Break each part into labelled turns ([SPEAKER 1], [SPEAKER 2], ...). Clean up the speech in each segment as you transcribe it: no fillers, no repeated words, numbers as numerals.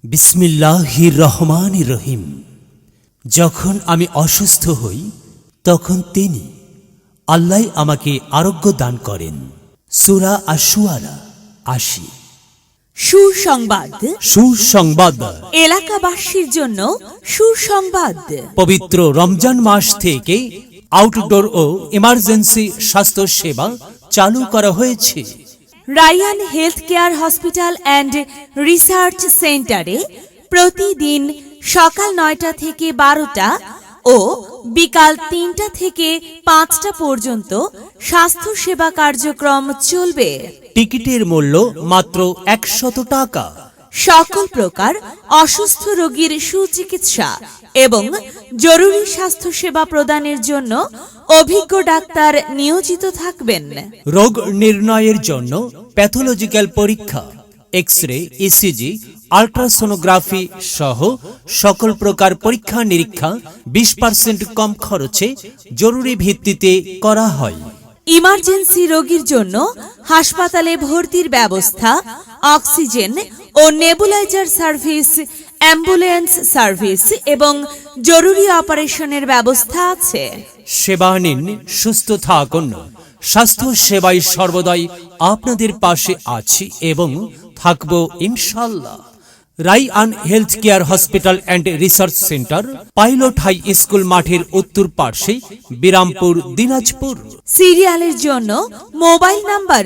[SPEAKER 1] বিসমিল্লাহির রহমানির রহিম। যখন আমি অসুস্থ হই তখন তিনি আল্লাহ আমাকে আরোগ্য দান করেন। সূরা আশ-শুআরা ৮০।
[SPEAKER 2] সুসংবাদ,
[SPEAKER 1] সুসংবাদ,
[SPEAKER 2] এলাকাবাসীর জন্য সুসংবাদ।
[SPEAKER 1] পবিত্র রমজান মাস থেকে আউটডোর ও ইমার্জেন্সি স্বাস্থ্য সেবা চালু করা হয়েছে।
[SPEAKER 2] Ryan health care hospital and research সেন্টারে প্রতিদিন সকাল ৯টা থেকে ১২টা ও বিকাল ৩টা থেকে ৫টা পর্যন্ত স্বাস্থ্য সেবা কার্যক্রম চলবে।
[SPEAKER 1] টিকিটের মূল্য মাত্র ১০০ টাকা।
[SPEAKER 2] সকল প্রকার অসুস্থ রোগীর সুচিকিৎসা এবং জরুরি স্বাস্থ্য সেবা প্রদানের জন্য অভিজ্ঞ ডাক্তার নিয়োজিত থাকবেন।
[SPEAKER 1] রোগ নির্ণয়ের জন্য প্যাথোলজিক্যাল পরীক্ষা, এক্স-রে, ইসিজি, আল্ট্রাসোনোগ্রাফি সহ সকল প্রকার পরীক্ষা নিরীক্ষা ২০% কম খরচে জরুরি ভিত্তিতে করা হয়।
[SPEAKER 2] ইমার্জেন্সি রোগীর জন্য হাসপাতালে ভর্তির ব্যবস্থা, অক্সিজেন ও নেবুলাইজার সার্ভিস, অ্যাম্বুলেন্স সার্ভিস এবং জরুরি অপারেশনের ব্যবস্থা আছে।
[SPEAKER 1] সেবা নিন, সুস্থ থাকুন। স্বাস্থ্য সেবায় সর্বদাই আপনাদের পাশে আছি এবং থাকব ইনশাআল্লাহ। Ryan health care hospital and research centre, pilot high school মাঠের উত্তর পার্শ্বে, বিরামপুর, দিনাজপুর।
[SPEAKER 2] সিরিয়ালের জন্য মোবাইল নাম্বার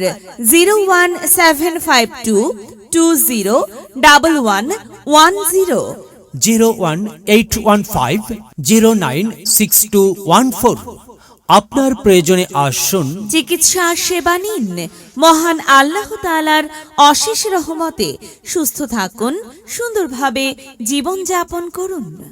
[SPEAKER 2] 01752201110,
[SPEAKER 1] 01815096214। আপনার প্রয়োজনে আসুন,
[SPEAKER 2] চিকিৎসা সেবা নিন। মহান আল্লাহ তাআলার অশেষ রহমতে সুস্থ থাকুন, সুন্দরভাবে জীবনযাপন করুন।